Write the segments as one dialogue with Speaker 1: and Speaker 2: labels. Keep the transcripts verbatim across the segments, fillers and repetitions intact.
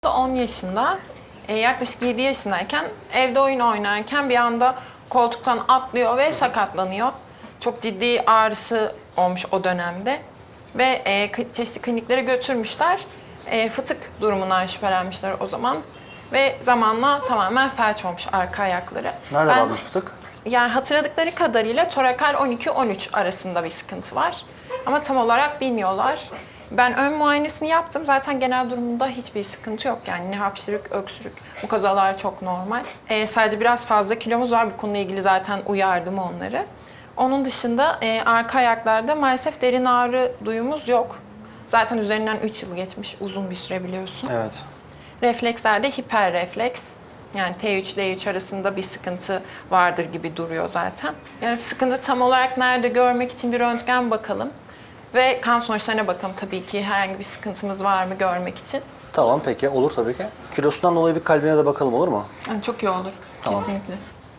Speaker 1: on yaşında, e, yaklaşık yedi yaşındayken evde oyun oynarken bir anda koltuktan atlıyor ve sakatlanıyor. Çok ciddi ağrısı olmuş o dönemde ve e, çeşitli kliniklere götürmüşler. E, fıtık durumundan şüphelenmişler o zaman ve zamanla tamamen felç olmuş arka ayakları.
Speaker 2: Nerede
Speaker 1: Ben,
Speaker 2: varmış fıtık?
Speaker 1: Yani hatırladıkları kadarıyla torakal on iki on üç arasında bir sıkıntı var. Ama tam olarak bilmiyorlar. Ben ön muayenesini yaptım. Zaten genel durumunda hiçbir sıkıntı yok. Yani ne hapşırık, öksürük. Bu kazalar çok normal. Ee, sadece biraz fazla kilomuz var. Bu konuyla ilgili zaten uyardım onları. Onun dışında e, arka ayaklarda maalesef derin ağrı duyumuz yok. Zaten üzerinden üç yıl geçmiş. Uzun bir süre biliyorsun.
Speaker 2: Evet.
Speaker 1: Reflekslerde hiperrefleks. Yani T üç D üç arasında bir sıkıntı vardır gibi duruyor zaten. Yani sıkıntı tam olarak nerede görmek için bir röntgen bakalım. Ve kan sonuçlarına bakalım tabii ki herhangi bir sıkıntımız var mı görmek için.
Speaker 2: Tamam peki olur tabii ki. Kilosundan dolayı bir kalbine de bakalım olur mu?
Speaker 1: Yani çok iyi olur.
Speaker 2: Tamam.
Speaker 1: Kesinlikle.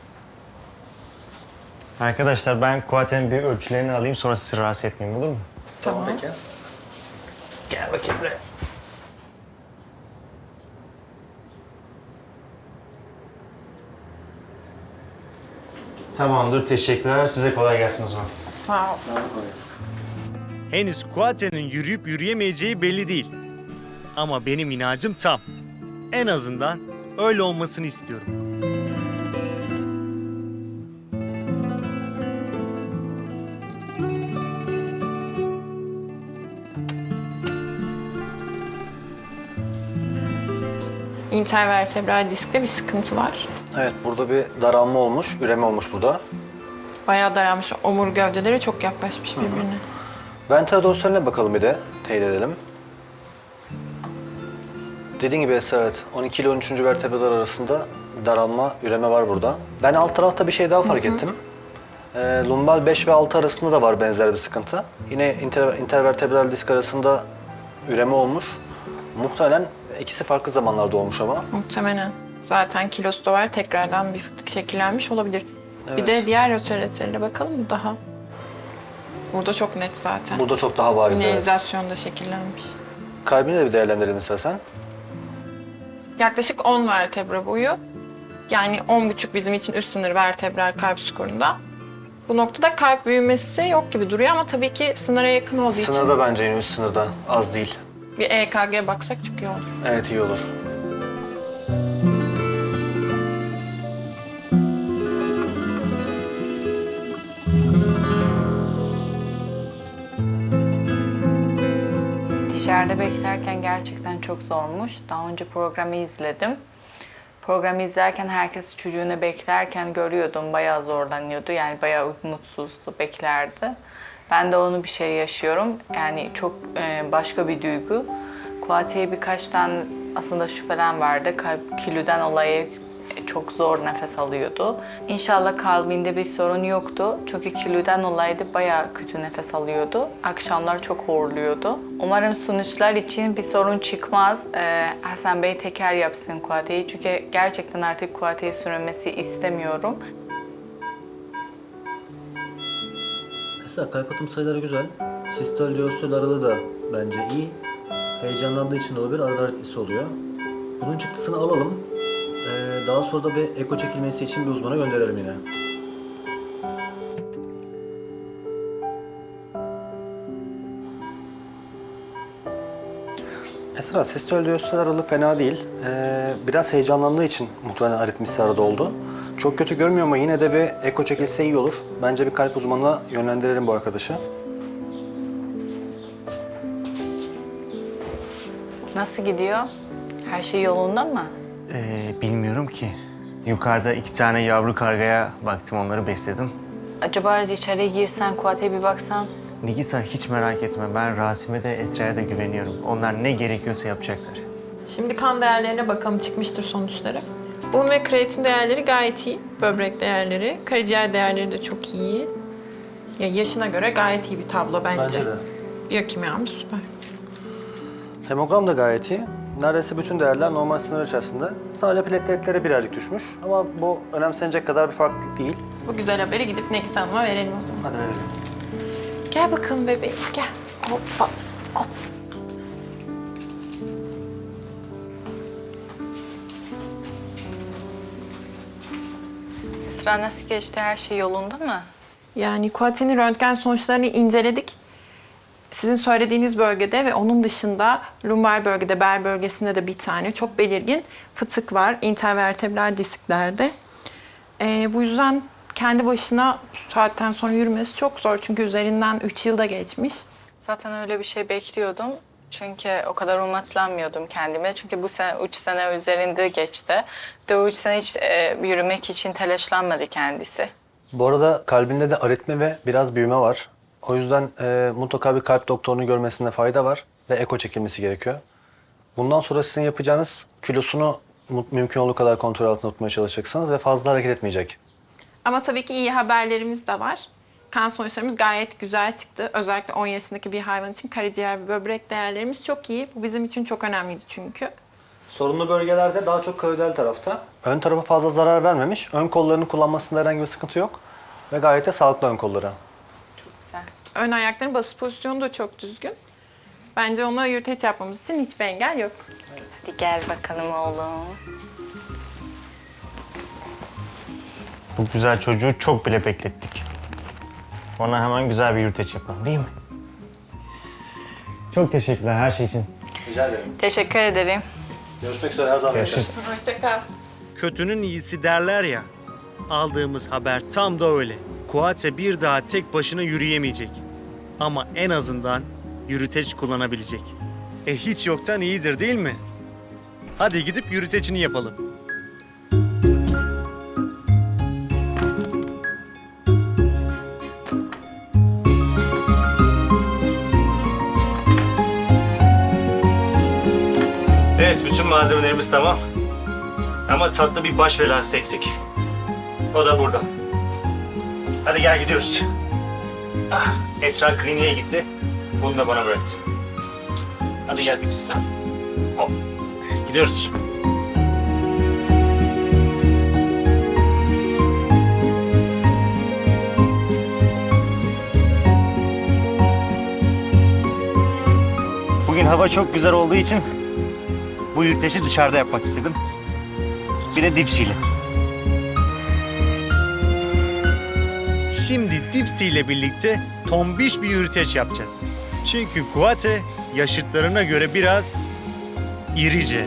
Speaker 3: Arkadaşlar ben Kuaten'in bir ölçülerini alayım sonra sizi rahatsız etmeyeyim olur mu?
Speaker 1: Tamam.
Speaker 2: Peki.
Speaker 3: Gel bakayım buraya. Tamamdır, teşekkürler. Size kolay gelsin o zaman.
Speaker 1: Sağ ol.
Speaker 4: Henüz Kuaten'in yürüyüp yürüyemeyeceği belli değil. Ama benim inancım tam. En azından öyle olmasını istiyorum.
Speaker 1: İntervertebral diskte bir sıkıntı var.
Speaker 2: Evet burada bir daralma olmuş, üreme olmuş burada.
Speaker 1: Bayağı daralmış. Omur gövdeleri çok yaklaşmış birbirine.
Speaker 2: Ventral dorsaline bakalım bir de, teyit edelim. Dediğim gibi Esra, evet on iki ile on üçüncü vertebralar arasında daralma, üreme var burada. Ben alt tarafta bir şey daha fark ettim. Ee, lumbal beş ve altı arasında da var benzer bir sıkıntı. Yine inter, intervertebral disk arasında üreme olmuş. Muhtemelen ikisi farklı zamanlarda olmuş ama.
Speaker 1: Muhtemelen. Zaten kilosu da var. Tekrardan bir fıtık şekillenmiş olabilir. Bir
Speaker 2: Evet.
Speaker 1: de diğer rotaretlerine bakalım mı daha? Burada çok net zaten.
Speaker 2: Burada çok daha bariz. Evet.
Speaker 1: Minerizasyonda şekillenmiş.
Speaker 2: Kalbini de bir değerlendirelim istersen.
Speaker 1: Yaklaşık on vertebra boyu. Yani on buçuk bizim için üst sınır vertebral kalp skorunda. Bu noktada kalp büyümesi yok gibi duruyor ama tabii ki sınıra yakın olduğu için
Speaker 2: Sınırda bence yine üst sınırda. Az değil.
Speaker 1: bir E K G baksak çok iyi olur.
Speaker 2: Evet iyi olur.
Speaker 5: Dışarıda beklerken gerçekten çok zormuş. Daha önce programı izledim. Programı izlerken herkes çocuğunu beklerken görüyordum. Bayağı zorlanıyordu. Yani bayağı mutsuzdu, beklerdi. Ben de onu bir şey yaşıyorum. Yani çok e, başka bir duygu. Kuati'ye birkaç tane aslında şüphelen vardı. Kalp kilüden dolayı çok zor nefes alıyordu. İnşallah kalbinde bir sorun yoktu. Çünkü kilüden dolayı da bayağı kötü nefes alıyordu. Akşamlar çok horluyordu. Umarım sonuçlar için bir sorun çıkmaz. Ee, Hasan Bey teker yapsın Kuati'yi. Çünkü gerçekten artık Kuati'ye sürülmesi istemiyorum.
Speaker 2: Mesela kalp atım sayıları güzel. Sistol diastol aralığı da bence iyi. Heyecanlandığı için de olabilir, arada aritmisi oluyor. Bunun çıktısını alalım. Ee, daha sonra da bir eko çekilmesi için bir uzmana gönderelim yine. Esra, sistol diastol aralığı fena değil. Ee, biraz heyecanlandığı için muhtemelen aritmisi arada oldu. Çok kötü görmüyor ama yine de bir eko çekilse iyi olur. Bence bir kalp uzmanına yönlendirelim bu arkadaşı.
Speaker 5: Nasıl gidiyor? Her şey yolunda mı?
Speaker 3: Ee, bilmiyorum ki. Yukarıda iki tane yavru kargaya baktım, onları besledim.
Speaker 5: Acaba içeriye girsen, Kuati'ye bir baksan?
Speaker 3: Nigisa hiç merak etme, ben Rasim'e de Esra'ya da güveniyorum. Onlar ne gerekiyorsa yapacaklar.
Speaker 1: Şimdi kan değerlerine bakalım, çıkmıştır sonuçları. Bun ve kreatin değerleri gayet iyi. Böbrek değerleri, karaciğer değerleri de çok iyi. Ya yaşına göre gayet iyi bir tablo bence.
Speaker 2: Bence de.
Speaker 1: Biyokimyamız süper.
Speaker 2: Hemogram da gayet iyi. Neredeyse bütün değerler normal sınır içerisinde. Sadece plateletleri birazcık düşmüş ama bu önemsenecek kadar bir farklılık değil.
Speaker 1: Bu güzel haberi gidip Nekis Hanım'a verelim o zaman.
Speaker 2: Hadi verelim.
Speaker 1: Gel bakalım bebeğim, gel. Hoppa, hop.
Speaker 5: Esra nasıl geçti? Her şey yolunda mı?
Speaker 1: Yani Kuate'nin röntgen sonuçlarını inceledik. Sizin söylediğiniz bölgede ve onun dışında lumbar bölgede, bel bölgesinde de bir tane çok belirgin fıtık var intervertebral disklerde. Ee, bu yüzden kendi başına bu saatten sonra yürümesi çok zor çünkü üzerinden üç yılda geçmiş.
Speaker 5: Zaten öyle bir şey bekliyordum. Çünkü o kadar umutlanmıyordum kendime. Çünkü bu sene üç sene üzerinde geçti. De o üç sene hiç e, yürümek için telaşlanmadı kendisi.
Speaker 2: Bu arada kalbinde de aritmi ve biraz büyüme var. O yüzden e, mutlaka bir kalp doktorunu görmesinde fayda var ve eko çekilmesi gerekiyor. Bundan sonra sizin yapacağınız kilosunu mu- mümkün olduğu kadar kontrol altında tutmaya çalışacaksınız ve fazla hareket etmeyecek.
Speaker 1: Ama tabii ki iyi haberlerimiz de var. Kan sonuçlarımız gayet güzel çıktı. Özellikle on yaşındaki bir hayvan için karaciğer ve böbrek değerlerimiz çok iyi. Bu bizim için çok önemliydi çünkü.
Speaker 2: Sorunlu bölgelerde daha çok kavidal tarafta. Ön tarafa fazla zarar vermemiş. Ön kollarını kullanmasında herhangi bir sıkıntı yok. Ve gayet de sağlıklı ön kolları.
Speaker 5: Güzel.
Speaker 1: Ön ayakların basış pozisyonu da çok düzgün. Bence ona yürüteç yapmamız için hiçbir engel yok.
Speaker 5: Hadi gel bakalım oğlum.
Speaker 3: Bu güzel çocuğu çok bile beklettik. Ona hemen güzel bir yürüteç yapalım değil mi? Çok teşekkürler her şey için.
Speaker 2: Rica ederim.
Speaker 5: Teşekkür ederim.
Speaker 2: Görüşmek üzere her zaman.
Speaker 3: Görüşürüz.
Speaker 1: Hoşçakal.
Speaker 4: Kötünün iyisi derler ya. Aldığımız haber tam da öyle. Kuate bir daha tek başına yürüyemeyecek. Ama en azından yürüteç kullanabilecek. E hiç yoktan iyidir değil mi? Hadi gidip yürütecini yapalım.
Speaker 3: Evet, bütün malzemelerimiz tamam. Ama tatlı bir baş belası eksik. O da burada. Hadi gel gidiyoruz. Ah, Esra kliniğe gitti. Bunu da bana bıraktı. Hadi gel biz. Hop. Gidiyoruz. Bugün hava çok güzel olduğu için bu yürüteci dışarıda yapmak istedim. Bir de dipsiyle.
Speaker 4: Şimdi Dipsy ile birlikte tombiş bir yürüteç yapacağız. Çünkü Kuate yaşıtlarına göre biraz irice.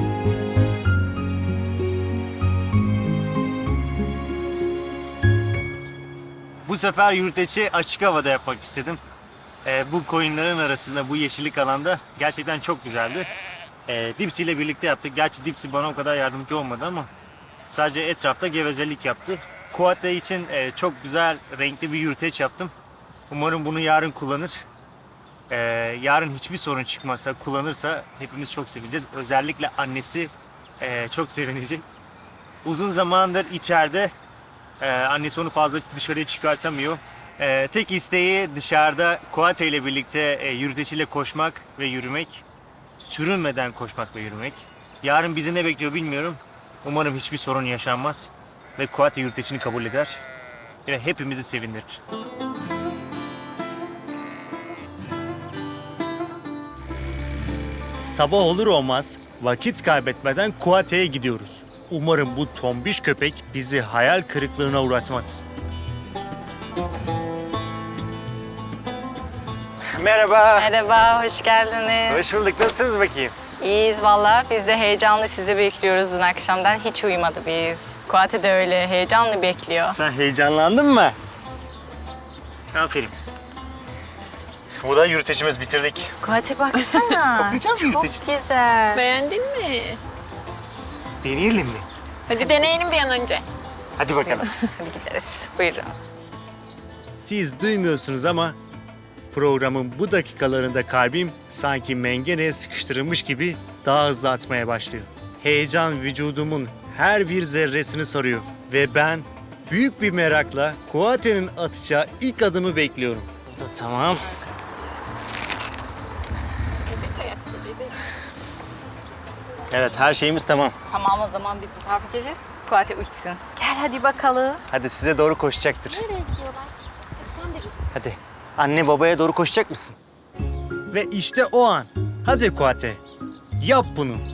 Speaker 3: Bu sefer yürüteci açık havada yapmak istedim. Ee, bu koyunların arasında, bu yeşillik alanda gerçekten çok güzeldi. Ee, Dipsy ile birlikte yaptık. Gerçi Dipsy bana o kadar yardımcı olmadı ama sadece etrafta gevezelik yaptı. Kuate için e, çok güzel, renkli bir yürüteç yaptım. Umarım bunu yarın kullanır. Ee, yarın hiçbir sorun çıkmazsa, kullanırsa hepimiz çok sevineceğiz. Özellikle annesi e, çok sevinecek. Uzun zamandır içeride. Ee, annesi onu fazla dışarıya çıkartamıyor. Ee, tek isteği dışarıda Kuate ile birlikte e, yürüteciyle koşmak ve yürümek. Sürünmeden koşmak ve yürümek. Yarın bizi ne bekliyor bilmiyorum. Umarım hiçbir sorun yaşanmaz. Ve Kuate yürütecini kabul eder. Ve hepimizi sevindirir.
Speaker 4: Sabah olur olmaz vakit kaybetmeden Kuate'ye gidiyoruz. Umarım bu tombiş köpek bizi hayal kırıklığına uğratmaz.
Speaker 3: Merhaba.
Speaker 5: Merhaba, hoş geldiniz.
Speaker 3: Hoş bulduk. Nasılsınız bakayım?
Speaker 5: İyiyiz valla. Biz de heyecanlı sizi bekliyoruz dün akşamdan. Hiç uyumadı biz. Kuate de öyle heyecanlı bekliyor.
Speaker 3: Sen heyecanlandın mı? Aferin. Bu da yürütecimiz, bitirdik.
Speaker 5: Kuate baksana.
Speaker 3: Bakacağım
Speaker 5: Çok
Speaker 3: yürüteci.
Speaker 5: güzel.
Speaker 1: Beğendin mi?
Speaker 3: Deneyelim mi?
Speaker 1: Hadi deneyelim bir an önce.
Speaker 3: Hadi bakalım.
Speaker 5: Hadi gideriz. Buyurun.
Speaker 4: Siz duymuyorsunuz ama programın bu dakikalarında kalbim sanki mengeneye sıkıştırılmış gibi daha hızlı atmaya başlıyor. Heyecan vücudumun her bir zerresini sarıyor ve ben büyük bir merakla Kuate'nin atacağı ilk adımı bekliyorum.
Speaker 3: Bu da tamam. Evet, her şeyimiz tamam.
Speaker 5: Tamam o zaman biz tarif edeceğiz. Kuate uçsun. Gel hadi bakalım.
Speaker 3: Hadi size doğru koşacaktır.
Speaker 6: Nereye gidiyorlar? Sen de git.
Speaker 3: Hadi. Anne babaya doğru koşacak mısın?
Speaker 4: Ve işte o an. Hadi Kuate, yap bunu.